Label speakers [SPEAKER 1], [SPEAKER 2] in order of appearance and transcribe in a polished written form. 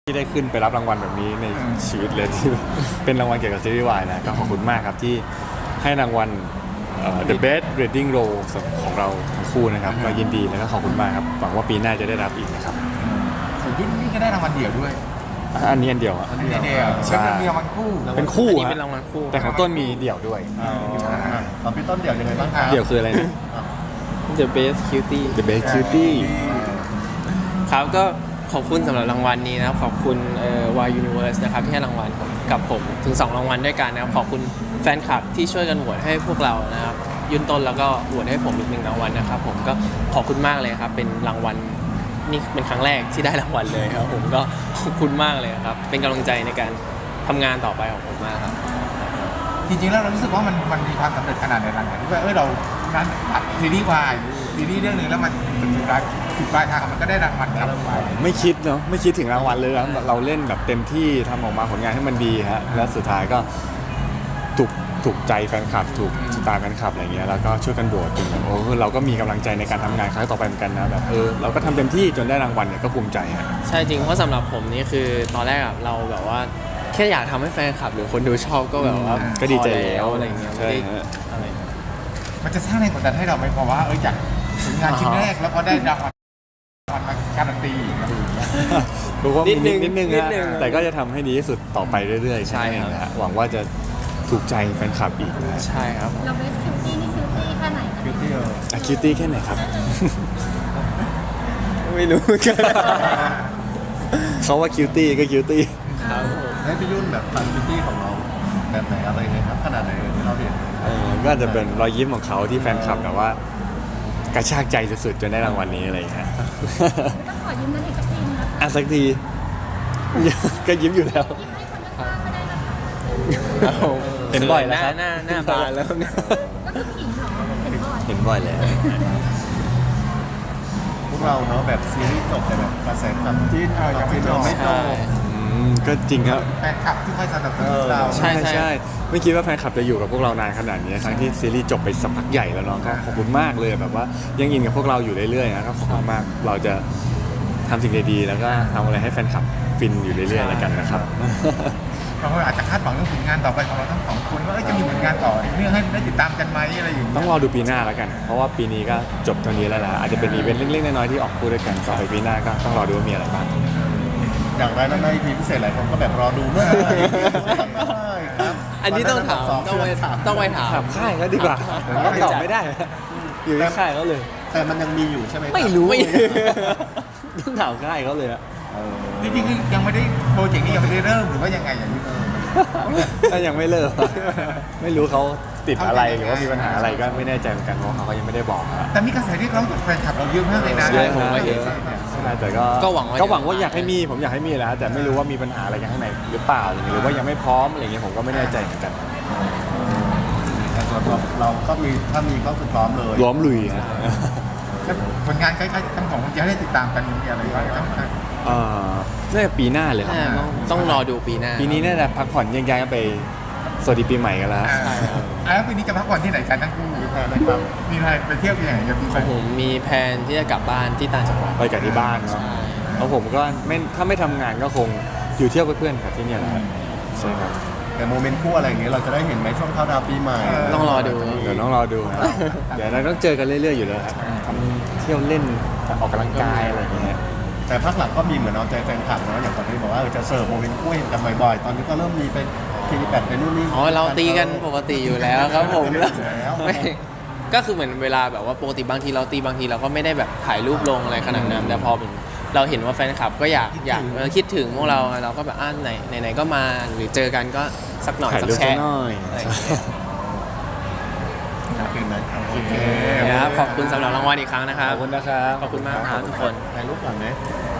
[SPEAKER 1] ที่ได้ขึ้นไปรับรางวัลแบบนี้ในชีวิตเลยที่เป็นรางวัลเกี่ยวกับซีรีส์วายนะก็ขอบคุณมากครับที่ให้รางวัลThe Best Leading Role ของเราทั้งคู่นะครับก็ยินดีแล้วก็ขอบคุณมากครับหวังว่าปีหน้าจะได้รับอีกนะครับ
[SPEAKER 2] ส่วนยุ่นนี่ก็ได้รางวัลเดี่ยวด้วย
[SPEAKER 1] อันนี้อันเดียวอ่ะ
[SPEAKER 2] อันนี้เดียวใช่มีรางวัลคู่
[SPEAKER 1] เป็นคู่
[SPEAKER 3] อันนี้
[SPEAKER 1] ฮะ
[SPEAKER 3] เป็นรางวัลคู่
[SPEAKER 1] แต่ของต้นมีเดี่ยวด้วย
[SPEAKER 4] ตอนพี่ต้นเดี่ยวยังไงบ้างครับ
[SPEAKER 1] เดี่ยวคืออะไรนะ
[SPEAKER 3] The Best Cutie
[SPEAKER 1] The Best Cutie
[SPEAKER 3] ครับก็ขอบคุณสำหรับรางวัลนี้นะครับขอบคุณY Universe นะครับที่ให้รางวัลกับผมถึง2รางวัลด้วยกันนะครับขอบคุณแฟนคลับที่ช่วยกันโหวตให้พวกเรานะครับยืนต้นแล้วก็โหวตให้ผมอีก1รางวัลนะครับผมก็ขอบคุณมากเลยครับเป็นรางวัลนี่เป็นครั้งแรกที่ได้รางวัลเลยครับผมก็ขอบคุณมากเลยครับเป็นกำลังใจในการทำงานต่อไปของผมมากครับ
[SPEAKER 2] จริงๆแล้วเรารู้สึกว่ามันมีความสำเร็จขนาดไหนหลังจากที่ว่าเรานั้นอัดซีรีส์วายซีรีส์เรื่องนึงแล้วมันสุดปลายทางมันก็ได้รางวัลกลับไป
[SPEAKER 1] ไม่คิดเนาะไม่คิดถึงรางวัลเลยนะเราเล่นแบบเต็มที่ทำออกมาผลงานให้มันดีฮะแล้วสุดท้ายก็ถูกใจแฟนคลับถูกสไตล์แฟนคลับอะไรเงี้ยแล้วก็ช่วยกันโหวตจนแบบเราก็มีกำลังใจในการทำงานครั้งต่อไปเหมือนกันนะแบบเราก็ทำเต็มที่จนได้รางวัลเนี่ยก็ภูมิใจฮะ
[SPEAKER 3] ใช่จริงเพราะสำหรับผมนี่คือตอนแรกเราแบบว่าแค่อยากทำให้แฟนคลับหรือคนดูชอบก็แบบว่า
[SPEAKER 1] ก็ดีใจแล้ว
[SPEAKER 3] อะไรเงี้ยไม่ได้อะไร
[SPEAKER 2] มันจะสร้างแรงกดดันให้เราไหมเพราะว่าจากผลงานชิ้นแรกแล้วพอได้รางวัลมาการันตีอะไรอย่างเงี้ย
[SPEAKER 1] รู้ว่านิดนึงฮะแต่ก็จะทำให้ดีที่สุดต่อไปเรื่อยๆใช่ครับหวังว่าจะถูกใจแฟนคลับอีกนะ
[SPEAKER 3] ใช่ครับ
[SPEAKER 5] เราเบสคิวตี้นี่คิวตี้แค่ไหนคิวตี้
[SPEAKER 1] คิวตี้แค่ไหนครับ
[SPEAKER 3] ไม่รู้
[SPEAKER 1] เขาว่าคิวตี้ก็คิวตี้
[SPEAKER 3] ครับ
[SPEAKER 4] ให้พี่ยุ่นแบบฟันคิวตี้ของเราแบบไหนอะไรไงครับขนาดไหนที่เราเห็น
[SPEAKER 1] ก็จะเป็นรอยยิ้มของเขาที่แฟนคลับแบบว่ากระชากใจสุดๆจนได้รางวัลนี้อะไรอย่างเงี้ย
[SPEAKER 5] ต้องขอยิ้มนั้นอีกสักทีนะ
[SPEAKER 1] สักทีก็ยิ้มอยู่แล้ว
[SPEAKER 5] ยิ้มให้คนข้างๆก็ได้นะคะ
[SPEAKER 1] เห็นบ่อยแล้วครับ
[SPEAKER 3] หน้าบานแล้วเนี่ย
[SPEAKER 5] ก็คือขิงเหรอเห็นบ่อย
[SPEAKER 1] เห็นบ่อยแล้ว
[SPEAKER 4] พวกเราเนาะแบบซีรีส์จบแต่แบบกระแสความจิ้น
[SPEAKER 2] ยังไม่จบ
[SPEAKER 1] ก็จริงครับ
[SPEAKER 2] แฟนคลับที่คอยสนับสนุนเรา
[SPEAKER 1] ใช่ไม่คิดว่าแฟนคลับจะอยู่กับพวกเรานานขนาดนี้ทั้งที่ซีรีส์จบไปสักพักใหญ่แล้วเนาะก็ขอบคุณมากเลยแบบว่ายังอินกับพวกเราอยู่เรื่อยๆนะก็ขอบคุณมากเราจะทำสิ่งดีๆแล้วก็ทำอะไรให้แฟนคลับฟินอยู่เรื่อยๆแล้วกันนะครับ
[SPEAKER 2] เราอาจจะคาดหวังเรื่องผลงานต่อไปของเราทั้งสองคนว่าจะมีผลงานต่อเรื่องให้ได้ติดตามกันไหมอะไรอย่างเงี้ย
[SPEAKER 1] ต้องรอดูปีหน้าแล้วกันเพราะว่าปีนี้ก็จบเท่านี้แล้วนะอาจจะเป็นอีเวนต์เล็กๆน้อยๆที่ออกคู่ด้วยกันต่อไปปีหน้าก็ต้องรอดูว่ามีอะไรบ้าง
[SPEAKER 4] อย่างไรนั้นใน EP พิเศษหลายคนก็แบบรอดูด้วยครับ
[SPEAKER 3] อันนี้ต้องถามต้องไปถาม
[SPEAKER 1] ค่ายก็ดีกว่าก็ตอบไม่ได้อยู่ที่ค่ายเขาเลย
[SPEAKER 4] แต่มันยังมีอยู่ใช่ไหม
[SPEAKER 1] ไม่รู้ต้องถามค่ายเขาเลย
[SPEAKER 2] จริงๆยังไม่ได้โปรเจกต์นี้ยังไม่ได้เริ่มหรือว่ายังไงอย่างนี้
[SPEAKER 1] ถ้ายังไม่เลิกไม่รู้เขาติดอะไรหรือว่ามีปัญหาอะไรก็ไม่แน่ใจเหมือนกันเพราะเขายังไม่ได้บอก
[SPEAKER 2] แต่มีกระแสที่เขาจากแฟนคลับเราเยอะมากเลยนะ
[SPEAKER 1] ใช่ผมก็เห็นแต่ก็หวังว่าอยากให้มีผมอยากให้มีแล้วแต่ไม่รู้ว่ามีปัญหาอะไรกันข้างในหรือเปล่าหรือว่ายังไม่พร้อมอะไรเงี้ยผมก็ไม่แน่ใจเหมือนกัน
[SPEAKER 4] แต่สำหรับเราก็มีถ้ามีก็คือพร้อมเลย
[SPEAKER 1] ล้อมลุย
[SPEAKER 2] ผลงานใกล้ๆทั้งของจะได้ติดตามกันมีอะไรบ้าง
[SPEAKER 1] น่าจะปีหน้าเลยครับ
[SPEAKER 3] ต้องรอดูปีหน้า
[SPEAKER 1] ปีนี้น่าจะพักผ่อนยังย้ายไปสวัสดีปีใหม่กันแล้ว
[SPEAKER 2] แล้วปีนี้จะพักผ่อนที่ไหนกันทั้งคู่มีแพลนไหมครับมีแพลนไปเที่ยวที่ไหนกัน
[SPEAKER 3] ของผมมีแพลนที่จะกลับบ้านที่ต่างจังหวัด
[SPEAKER 1] ไปกับที่บ้านเนาะแล้วผมก็ถ้าไม่ทำงานก็คงอยู่เที่ยวกับเพื่อนครับที่นี่แหละใช่ครับ
[SPEAKER 4] แต่โมเมนต์คู่อะไรอย่างเงี้ยเราจะได้เห็นไหมช่วงเข้าดาวปีใหม่
[SPEAKER 3] ต้องรอดู
[SPEAKER 1] เดี๋ยวต้องรอดูเดี๋ยวเราต้องเจอกันเรื่อยๆอยู่แล้วครับเที่ยวเล่นออกกำลังกายอะไรอย่างเงี้ย
[SPEAKER 4] แต่พักหลังก็มีเหมือนเอาใจแฟนคลับเนาะอย่างตอนนี้บอกว่าจะเสิร์ฟโมเมนต์คู่เห็นกันบ่อยๆตอนนี้ก็เริ่มมีไปทีแบตไปนู่นนี่
[SPEAKER 3] เราตีกันปกติอยู่แล้วครับผมไม่ก็คือเหมือนเวลาแบบว่าปกติบางทีเราตีบางทีเราก็ไม่ได้แบบถ่ายรูปลงอะไรขนาดนั้นแต่พอเราเห็นว่าแฟนคลับก็อยากคิดถึงพวกเราก็แบบไหนก็มาหรือเจอกันก็สักหน่อยสักแชร์
[SPEAKER 4] โอเค
[SPEAKER 3] ครับขอบคุณสำหรับรางวัลอีกครั้งนะครับ
[SPEAKER 1] ขอบคุณนะครับ
[SPEAKER 3] ขอบคุณมากครับทุกคน
[SPEAKER 4] ถ่ายรูปก่อนไหม